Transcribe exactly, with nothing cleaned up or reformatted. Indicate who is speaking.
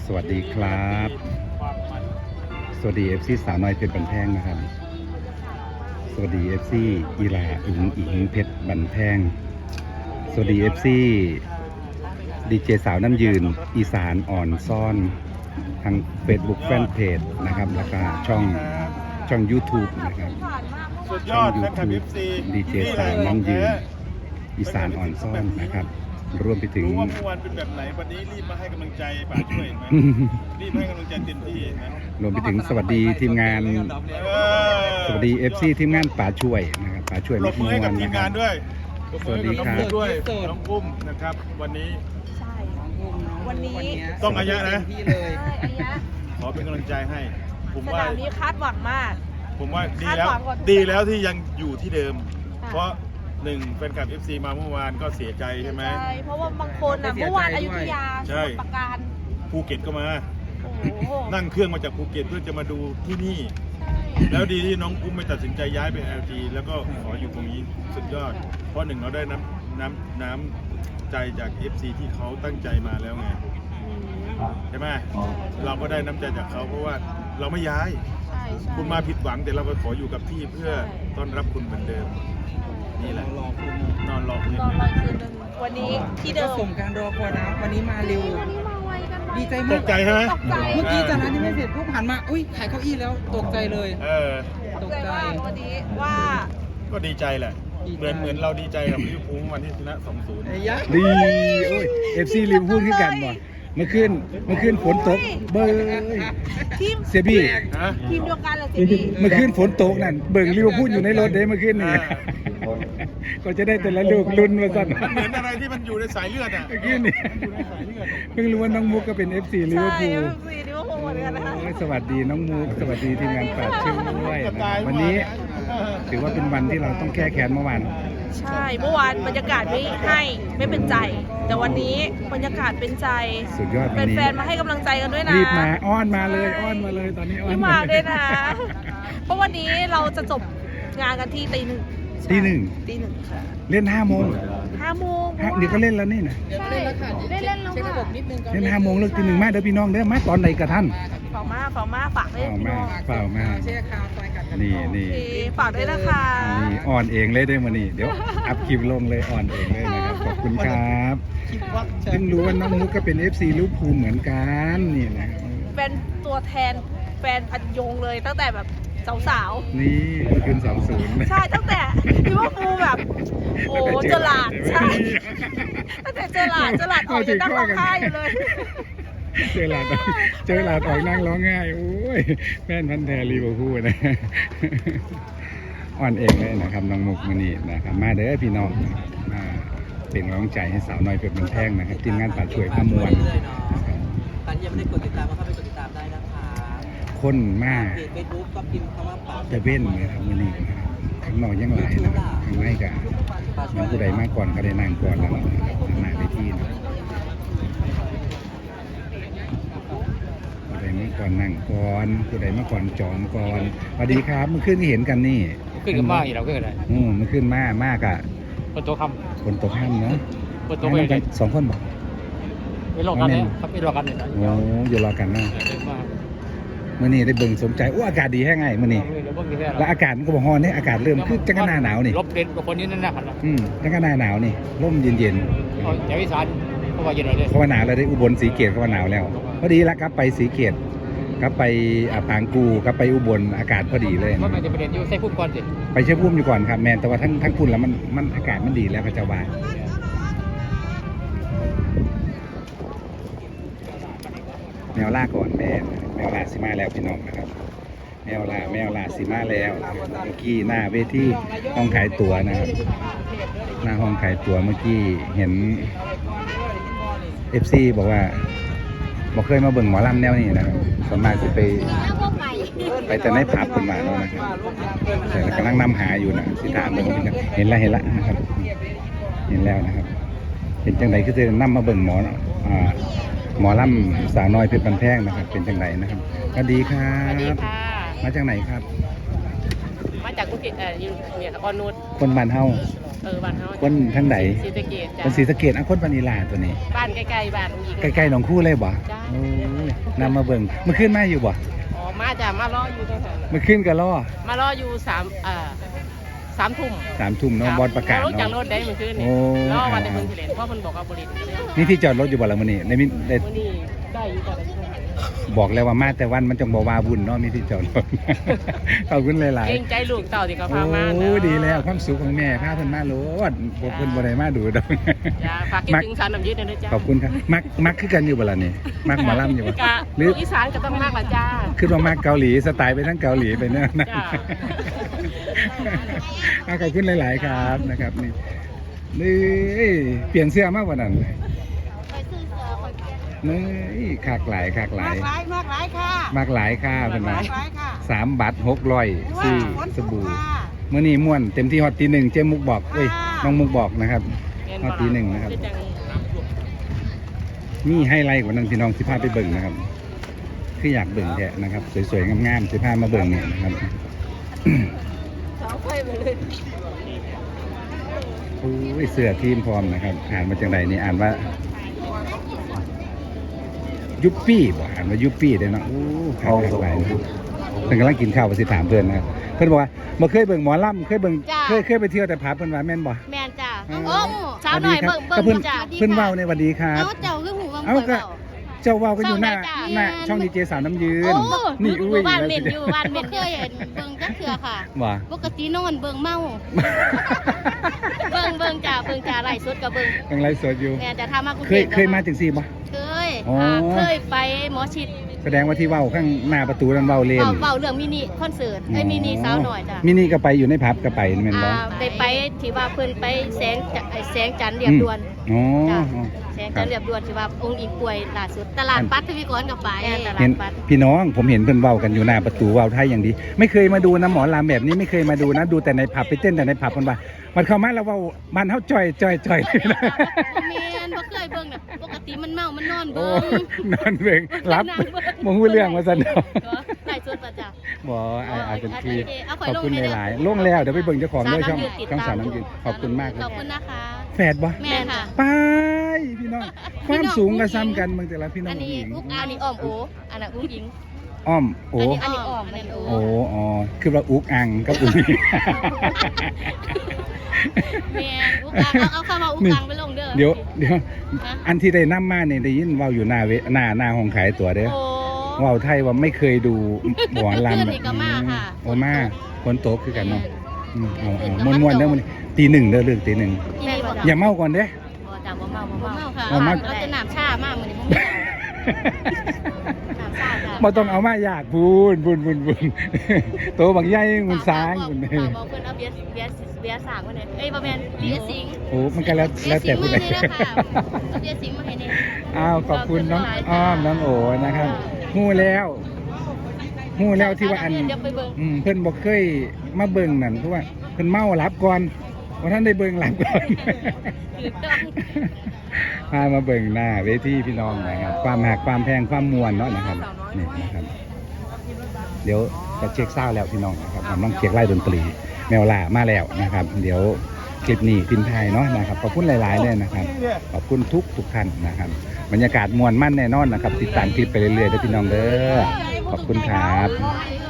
Speaker 1: สวัสดีครับ สวัสดีเอฟซีสาวน้อยเพชรบันแพงนะครับ สวัสดีเอฟซีอีลาอิงอิงเพชรบันแพง สวัสดีเอฟซีดีเจสาวน้ำยืนอีสานอ่อนซ่อนทาง Facebook แฟนเพจนะครับแล้วก็ช่องช่อง YouTube นะครับ
Speaker 2: สุดย
Speaker 1: ช่อ
Speaker 2: อง ดแฟนคลับ
Speaker 1: YouTube
Speaker 2: เอฟซี
Speaker 1: ดีเจสาวน้ำยืนอีสานอ่อนซ่อนนะครับรวมไปถึง
Speaker 2: รู้ว่าเมื่อวานเป็นแบบไหนวันนี้รีบมาให้กำลังใจป่าช่วยเห็นไหมรีบให้กำลังใจเต็มที่นะ
Speaker 1: รวมไปถึงสวัสดีทีมงาน
Speaker 2: เออ
Speaker 1: สวัสดี เอฟ ซี ทีมงานป่าช่วยนะครับป่าช่วย
Speaker 2: ปรบมือให้กับ
Speaker 1: น
Speaker 2: ทีม
Speaker 1: นะค
Speaker 2: งา
Speaker 1: รั
Speaker 2: น
Speaker 1: บ
Speaker 2: ด้วย
Speaker 1: สวัสดีครับ
Speaker 2: ปมือด้วยน้องอุ้มนะครับ วันนี้
Speaker 3: ใช่วันนี้
Speaker 2: ต้องอายะนะ
Speaker 3: ใช่อายะ
Speaker 2: ขอเป็นกำลังใจให้ ผม
Speaker 3: ส
Speaker 2: ว่า
Speaker 3: นามนี้คาดหวังมาก
Speaker 2: ผมว่าดีแล้ว
Speaker 3: คาดหวังกว่าทุก
Speaker 2: ดีแล้วที่ยังอยู่ที่เดิม
Speaker 3: ค่ะ
Speaker 2: เพราะหนึ่งแฟนคลับ เอฟ ซี มาเมื่อวานก็เสียใจใช่ไหม
Speaker 3: ใช่เพราะว่าบางคนอ่ะเมื่อวานอยุธยาส
Speaker 2: ใช่
Speaker 3: มุทรปราการ
Speaker 2: ภูเก็ตก็มา
Speaker 3: โอ้โห
Speaker 2: นั่งเครื่องมาจากภูเก็ตเพื่อจะมาดูที่นี่
Speaker 3: ใช่
Speaker 2: แล้วดีที่น้องอุ้มไม่ตัดสินใจย้ายไป แอล จี แล้วก็ขออยู่ตรงนี้สุดยอด เพราะหนึ่งเราได้น้ำน้ำน้ำใจจาก เอฟ ซี ที่เขาตั้งใจมาแล้วไง
Speaker 3: อืม
Speaker 2: ใช่ไหมเราก็ได้น้ำใจจากเขาเพราะว่าเราไม่ย้าย
Speaker 3: ใช่ใช่
Speaker 2: คุณมาผิดหวังแต่เราก็ขออยู่กับที่เพื่อต้อนรับคุณเหมือนเดิม นี่แหละนอนรอคืน
Speaker 3: ตอน
Speaker 2: นึง
Speaker 3: ลอยคืนนึงวันนี้ที่เดิ
Speaker 4: ก็
Speaker 3: ม
Speaker 4: สมการรอคอยนะวันนี้มาเร็ว
Speaker 3: วันนี้มาไวกันไว
Speaker 4: ดีใจ
Speaker 2: ต
Speaker 4: มาก
Speaker 2: กใจใช่ไหม
Speaker 3: ตกใจ
Speaker 4: เมื่อกี้จากนั้นยังไม่เสร็จปุ๊บหันมาอุ้ยขายเก้าอี้แล้วตกใจเลย
Speaker 2: เออ
Speaker 3: ตกใจมากวันนี้ว่า
Speaker 2: ก็ดีใจแหละ เหมือนเหมือนเราดีใจกับลิเวอร์พูลวันที่ชนะ สองศูนย์
Speaker 4: ไอ้ยะ
Speaker 1: ดีโอ้ย เอฟ ซี ลิมพูดขึ้นกันบ่เมื่อคืนเมื่อคืนฝนตกเบ้ย
Speaker 3: ทีม
Speaker 1: เสียบี้
Speaker 2: ฮะ
Speaker 3: ทีมเดียวกันเลยสิพี่
Speaker 1: เมื่อคืนฝนตกนั่นเบิ่งลิเวอร์พูลอยู่ในรถเด้เมื่อคืนนี่ ก็จะได้แต่ละลูกลุ้นมาสั่น
Speaker 2: มันเหมือนอะไรที่มันอยู่ในสายเลือดอ่ะ
Speaker 1: เมื่อคืนนี่
Speaker 2: มันอยู่ในสายเลือดอะ
Speaker 1: เพิ่งรู้ว่าน้องมุกก็เป็น เอฟ ซี ลิเวอร์
Speaker 3: ใช่
Speaker 1: พูล
Speaker 3: เอฟซีลิเวอร์พูลเหมือนกันนะคะ
Speaker 1: โอ้ยสวัสดีน้องมุกสวัสดีทีมงานป่าช่วยนะครับวันนี้ถือว่าเป็นวันที่เราต้องแก้แค้นเมื่อวาน
Speaker 3: ใช่เมื่อวานบรรยากาศไม่ให้ไม่เป็นใจ แต่วันนี้บรรยากาศเป็นใจ
Speaker 1: สุดยอดวันนี้
Speaker 3: แฟนๆมาให้กำลังใจกันด้วยนะ
Speaker 1: รีบมาอ้อนมาเลยอ้อนมาเลยตอนนี้อ้อน
Speaker 3: รีบมาด้วยนะ เพราะวันนี้เราจะจบงานกันที่ตีหนึ่ง
Speaker 1: ตีหนึ่ง
Speaker 3: ตีหนึ่งค่ะ
Speaker 1: เล่นห้าโมง
Speaker 3: ห้าโมง
Speaker 1: ห้าเดี๋ยวก็เล่นแล้วนี่นะ
Speaker 3: ใช่เล่นแล้วค่ะเล่นเล่นแล้ว
Speaker 4: เช็คระบบ
Speaker 3: ค่ะ
Speaker 4: นิดนึงก่อน
Speaker 1: เล่นห้าโมงเลิกตีหนึ่งมาเด้อพี่น้องเด้อมาตอนไหนกระท่าน
Speaker 3: ฝากมาฝากมาฝากด้วย
Speaker 1: ฝาก
Speaker 3: พี่
Speaker 1: มา
Speaker 3: น้อง
Speaker 1: เปล่ามา
Speaker 4: แช่คาวไฟกัดกั
Speaker 1: นี่นี่
Speaker 3: โอเคฝากด้วยนะคะ
Speaker 1: นี่อ่อนเองเลยได้มานี่เดี๋ยวอัพคลิปลงเลยอ่อนเองเลยนะครับขอบคุณครับ
Speaker 4: คิดว่า
Speaker 1: เพิ่งรู้ว่าน้องมุกก็เป็น เอฟ ซี ลิเวอร์พูลเหมือนกันนี่นะ
Speaker 3: เป็นตัวแทนแฟนพันยงเลยตั้งแต่แบบสาวๆ
Speaker 1: นี่คืนสองศูนย์
Speaker 3: ใช่ตั้งแต่ลิเวอร์พูลแบบ โอ้เจอหลาดใช่ตั้งแต่เจอหลาดเจอหลาดออกยังนั่งร้องไห้อยู่เลย
Speaker 1: เจอหลาดเจอหลาดออกนั่งร้องไห้โอ้ยแฟนพันธุ์แท้ลิเวอร์พูลนะอ่อนเองเลยนะครับน้องมุกมานี่นะครับมาเด้อพี่น้องมาเป็นกำลังใจให้สาวน้อยเพชรบันแพงนะครับทีมงานป่าช่วยขมวลนะครับ
Speaker 5: ตอนนี้ยังไม่ได้กดติดตามก็เข้าไปกดติดตามได้นะคะ
Speaker 1: คนมาก
Speaker 5: เพจเฟซบุ๊กก็พิมพ์คำว่าป่า
Speaker 1: จะเว้นนะครับมือนี้นะครับข้างนอกยังหลายนะครับข้างในก็มีผู้ใดมาก่อนก็ได้นั่งก่อนแล้วหน้าเวทีนะผู้ใดมาก่อนนั่งก่อนผู้ใดมาก่อนจองก่อนสวัสดีครับเมื่อคืนที่เห็นกันนี่
Speaker 6: ขึ้นกับมากอีกแล้วขึ้นอะไร
Speaker 1: อืมเมื่อคืนมากมากอ่ะ
Speaker 6: คนตัวค
Speaker 1: คนตกห้ามเนาะ
Speaker 6: ำคนตัว
Speaker 1: ให้
Speaker 6: ไป
Speaker 1: น้ำกันสองคนบอก
Speaker 6: ไม่รอกันเนี่ยครับไม่รอกันเนี่ยนะ
Speaker 1: โอ้อยู่รอกันนะ
Speaker 6: เยอะมาก
Speaker 1: มื่อนี้ได้เบิ่งสมใจโอ้อากาศดีแค่ไงมื่อนี้
Speaker 6: เดี๋ยวเพิ่งจะได้
Speaker 1: แล้วอากาศมันก็บอกฮอนเนี่ยอากาศเริ่มคือจังกะหน้าหนาวนี่
Speaker 6: ลบเด่นกับคนนี้นั่นนะครับ
Speaker 1: อืมจังกะหน้าหนาวนี่ร่มเย็น
Speaker 6: เอาแถวอีสานเพราะว่าเย็นเลย
Speaker 1: ๆเขาว่าหนาวแล้วได้อุบลสีเกตเขาว่าหนาวแล้วพอดีละครับไปสีเกตครับไปอ่าปางกูครับไปอุบลอากาศพอดีเลย
Speaker 6: ว่ามันจะประเด็นอยู่ใส่พุ่มก่อนสิ
Speaker 1: ไปเชื่อพุ่มอยู่ก่อนครับแมนแต่ว่าทั้งทั้งพุ่นแล้วมันมันอากาศมันดีแล้วพระเจ้าว่าแมวล่าก่อนแม่แมวล่าสิมาแล้วพี่น้องนะครับ แมวล่าแมวล่าสิมาแล้วเมื่อกี้หน้าเวทีห้องขายตั๋วนะครับหน้าห้องขายตั๋วเมื่อกี้เห็น เอฟ ซี บอกว่าบอกเคยมาเบิ่งหมอลำแนวนี้นะครับส่วนมากจะไปไปแต่ในผับคนมาแล้วนะครับแต่กำลังนำหาอยู่นะสิถามเบิ่งว่าเป็นจังเห็นแล้วเห็นแล้วนะครับ เห็นแล้วนะครับเป็นจังไดคือจะนำมาเบิ่งหมออ่าหมอลำสาวน้อยเพชรบันแพงนะครับ เป็นจังไดนะครับสวัสดีครับ
Speaker 7: สวัสดีค่ะ
Speaker 1: มาจากไหนครับ
Speaker 7: มาจากกุฏิเอ่ออยู่เนี่ยออนุช
Speaker 1: คนบ้านเฮา
Speaker 7: เออบ้านเฮา
Speaker 1: คนทางไหน
Speaker 7: ศรีสะเกษจ้ะ
Speaker 1: คนศรีสะเกษอ่ะคนปานิลาตัวนี้
Speaker 7: บ้านใกล้ๆบ้านอีก
Speaker 1: ใกล้ๆหนองคู่เลยบ่
Speaker 7: จ้า
Speaker 1: โอ้ยนำมาเบิ่งเมื่อคืนมาอยู่บ่
Speaker 7: อ๋อมาจ้ะมารออยู่ตรงนั้น
Speaker 1: เมื่อคืนก็รอ
Speaker 7: มารออยู่สามเอ่อสามทุ่ม
Speaker 1: สามทุ่มเนาะบอลประกาศ
Speaker 7: รถจากร
Speaker 1: เนาะ
Speaker 7: ถได้เมื่อคืนนี่
Speaker 1: โอ้
Speaker 7: รอวันในเมืองเฉลิมเพราะมันบอกว่าบริษัทเนี่ย
Speaker 1: นี่ที่จอดรถอยู่บ่ละมื้อนี้ในมิได้
Speaker 7: มื้อนี้ได้อยู่จ้ะได้อยู่จ้ะ
Speaker 1: บอกแล้วว่ามาแต่วันมันจงบ่ว่าบุญเนาะมีที่จอดรถ ขอบคุณหลาย
Speaker 7: เกรงใจลูกเต่าที่เขา
Speaker 1: ๆ
Speaker 7: พามา
Speaker 1: โอ้
Speaker 7: เนาะ
Speaker 1: ดีแล้วความสุขของแม่พาเพิ่นมาโลดบ่เพิ่นบ่ได้มาดูดอก
Speaker 7: จ้ะฝากคิดถึงสารน้ำยืดด้วยนะจ้ะ
Speaker 1: ขอบคุณครับมักมักคือกันอยู่บ่ล่ะนี่มักหมอลำอยู่บ่
Speaker 7: กะ
Speaker 1: หรือ
Speaker 7: ลูกอีสานก็ต้องมากละจ้า
Speaker 1: คือว่ามักเกาหลีสไตล์ไปทั้งเกาหลีไปเนี่ยนะ
Speaker 7: จ้ะ
Speaker 1: อ่ะขอบคุณหลาย ๆ ครับนะครับนี่นี่เปลี่ยนเสื้อมากกว่านั้นนี่ขากหลายขากหลาย
Speaker 3: มากหลายมากหลายค่ะ
Speaker 1: มากหลายค่าเป็นมาม
Speaker 3: ากหลายค่ะ
Speaker 1: สามบัตรหกร้อยสี่
Speaker 3: ฝน
Speaker 1: ส
Speaker 3: ตก
Speaker 1: บู่
Speaker 3: ค่ะ
Speaker 1: เมื่อนี้ม่วนเต็มที่ฮอตตีหนึ่งเจมมุกบอกเอ้ย
Speaker 3: ค่ะ
Speaker 1: น้องมุกบอกนะครับฮอตตีหนึ่งนะครับนี่ไฮไลท์กว่านั้นพี่น้องสิพาไปเบิ่งนะครับคืออยากเบิ่งแท้นะครับ สวย ๆ งาม ๆสิพามาเบิ่งเนี่ยนะครับ โอ้ยเสื้อทีมพร้อมนะครับอ่านมาจากไหนนี่อ่านว่ายุปปี้บ่อ่านว่ายุปปี้เลยเนาะโอ้ขาวหลายนะเพิ่นกำลังกินข้าวไปสิถามเพื่อนนะครับเพื่อนบอกว่าบ่เคยเบิ่งหมอลำเคยเบิ่ง
Speaker 8: จ้า
Speaker 1: เคยเคยไปเที่ยวแต่ผับเพิ่นว่าแม่นบ่
Speaker 8: แม่นจ้ะ
Speaker 1: อ๋อ
Speaker 8: โอ้สาวหน่อย
Speaker 1: สวั
Speaker 8: เบิ่
Speaker 1: ส
Speaker 8: ง
Speaker 1: ดีครับ
Speaker 8: เบิ่ง
Speaker 1: ก็เพิ่น
Speaker 8: จ้ะ
Speaker 1: เพิ่นเว้าในสวัสดีครับ
Speaker 8: เอ้าเจ้าคือหูว่า
Speaker 1: เอ้า
Speaker 8: เบิ่ง
Speaker 1: ก็
Speaker 8: เว้า
Speaker 1: เจ้าเว้าก็อยู่หน้า
Speaker 8: เศร้าได้จ้ะ
Speaker 1: หน้าช่องดีเจสาวน้ำยืน
Speaker 8: โอ้
Speaker 1: นี่
Speaker 8: ห
Speaker 1: อุ้
Speaker 8: มู่
Speaker 1: ย
Speaker 8: บ้าน
Speaker 1: แล้ว
Speaker 8: เม่น
Speaker 1: สิ
Speaker 8: อยู่บ้านเม่นเคยเห็นเบิ่งจักเทื่อค่ะ
Speaker 1: บ่
Speaker 8: ปกตินอนเบิ่งเมา เบิ่งเบิ่งจ้ะเบิ่งจ้ะไล่สดก็เบิ่ง
Speaker 1: ยังไลฟ์สดอยู่
Speaker 8: แม่นจะทำมากรุง
Speaker 1: เค
Speaker 8: เท
Speaker 1: ย
Speaker 8: พ
Speaker 1: เคยมาจังซี่บ่
Speaker 8: เคย
Speaker 1: อ๋ออ่
Speaker 8: าเคยไปหมอชิด
Speaker 1: แสดงว่าที่เว้าข้างหน้าประตูนั้นเว้าเล่น
Speaker 8: เว้าเว้าเรื่องมินิคอนเสิร์ตเอ้ยมินิสาวหน่อยจ้ะ
Speaker 1: มินิก็ไปอยู่ในผับก็ไปแม่นบ่
Speaker 8: อ่าได้ไปที่ว่าเพิ่นไปแสงจะไอ้แสงจันทร์เรียบด่วน
Speaker 1: อ๋อ
Speaker 8: จ้ะ
Speaker 1: อ๋อ
Speaker 8: แสงจันทร์เรียบด่วนที่ว่าองค์อิงป่วยล่าสุดตลาดปัดทวีกรกับไปตลา
Speaker 1: เห็
Speaker 8: ด
Speaker 1: น
Speaker 8: ปัด
Speaker 1: พี่น้องผมเห็นเพิ่นเว้ากันอยู่หน้าประตูเว้าไทยอย่างดี ไม่เคยมาดูนะหมอลำแบบนี้ไม่เคยมาดูนะดูแต่ในผับไปเต้นแต่ในผับเพิ่นว่ามันเข้ามาแล้วเว้าบ้านเฮาจ่อยจ่อยจ่อย
Speaker 8: บ่แม่นบ่เคยเบิ่งน่ะปกติมันเมา มันนอน
Speaker 1: โอ้
Speaker 8: เบิ่ง
Speaker 1: นอนเบิ่งรับ
Speaker 8: นั่งเบิ่ง
Speaker 1: บ่ฮู้เรื่องว่าซั่นเนาะ
Speaker 8: ไล่สดป่ะจ้ะ
Speaker 1: บ่อาอาจจะคือ
Speaker 8: เอาข่
Speaker 1: ข
Speaker 8: อย
Speaker 1: อบ
Speaker 8: ลง
Speaker 1: คุณ
Speaker 8: ให้เด้อ
Speaker 1: หลายๆลงแล้วเดี๋ยวไปเบิ่งเจ้าของด้วยช่อง
Speaker 8: สาวน้ำยืนติด
Speaker 1: ช่อง
Speaker 8: ตาม
Speaker 1: สาวน้ำยืนขอบคุณมากเลย
Speaker 8: ขอบคุณนะคะ
Speaker 1: แฝดบ่
Speaker 8: แม่ค่ะ
Speaker 1: ไปพี่น้องความสูงก็ซ้ำกันเบิ่งแต่ละพี่น้อ
Speaker 8: อั
Speaker 1: ง
Speaker 8: นนี้
Speaker 1: หญิง
Speaker 8: อุ๊กอันนี้อ้อมโออันนั้นอุ้งหญิง
Speaker 1: อ้อมโอ้
Speaker 8: อันนี้อ้อมอันนี้โอ
Speaker 1: โอ้อ๋อคือว่าอุกอังกับอุก
Speaker 8: แม่อุ๊กอังเอาเอาเข้ามาอุ๊กอังไปลงเด้อ
Speaker 1: เดี๋ยวเดี๋ยว
Speaker 8: ฮะ
Speaker 1: อันที่ได้นำมาเนี่ยได้ยินเว้าอยู่หน้าเวหน้าหน้าห้องขายตั๋วเด้อ
Speaker 8: โอ้
Speaker 1: เว้าไทยว่าไม่เคยดูหมอลำ
Speaker 8: เพื่อนนี่ก็มาค่ะ
Speaker 1: โอ้มาคนโตคือกันเนาะอืมเอา
Speaker 8: เพื่อนก็
Speaker 1: เอา
Speaker 8: มา
Speaker 1: ม่วนๆ
Speaker 8: โต
Speaker 1: เด้อมื้อนี้ตีหนึ่งเด้อเรื่องตีหนึ่ง
Speaker 8: ที่นี่บ่
Speaker 1: อ
Speaker 8: จ้ะ
Speaker 1: ย่าเมาก่อนเด้อ
Speaker 8: บ่จ้ะบ่เมาบ่เมาค่ะ
Speaker 1: บ่เมา
Speaker 8: เราจะน้ำชามากมื้อนี้บ่เมาน้ำชาจ้ะ
Speaker 1: บ่ต้องเอามาอยากบุญบุญบุญบุญโตบักใหญ่มุนสาง
Speaker 8: บอก
Speaker 1: บุญ
Speaker 8: บอกบอกเพิ่นเอาเบียร์เบียร์เบียร์สางมาหน่อยเอ้ยบ่แม่นเบียร์สิง
Speaker 1: โอ้มันก็แล้ว
Speaker 8: เบีย
Speaker 1: แล้ว
Speaker 8: ร์สิ
Speaker 1: แต่
Speaker 8: ง
Speaker 1: ผู้
Speaker 8: มา
Speaker 1: ใด
Speaker 8: ให้เด้อค่ะเอาเบียร์สิงมาให้แน่
Speaker 1: อ้าวขอบคุณน้องอ้อมน้องโอนะครับฮู้แล้วฮู้แล้วที่ว่าอัน
Speaker 8: เดี๋ยวไปเบิ่ง
Speaker 1: อืมเพิ่นบอกเคยมาเบิ่งนั่นเพราะว่าเพิ่นเมาหลับก่อนว่าท่านได้เบิ่งหลับก่อน
Speaker 8: ถูกต้อง
Speaker 1: พามาเบิ่งหน้าเวทีพี่น้องนะครับความหักความแพงความมวลเนาะนะครับนี่นะครับ เดี๋ยวจะเช็คเศร้าแล้วพี่น้องนะครับกำลังเช็คไล่ดนตรีแมวล่ามาแล้วนะครับ เดี๋ยวคลิปนี้พินไทยเนาะนะครับขอบคุณหลายๆเลยนะครับขอบคุณทุกทุกท่านนะครับบรรยากาศมวลมั่นแน่นอนนะครับ ติดตามคลิปไปเรื่อยๆเด้อพี่น้องเด้อขอบคุณครับ
Speaker 8: ข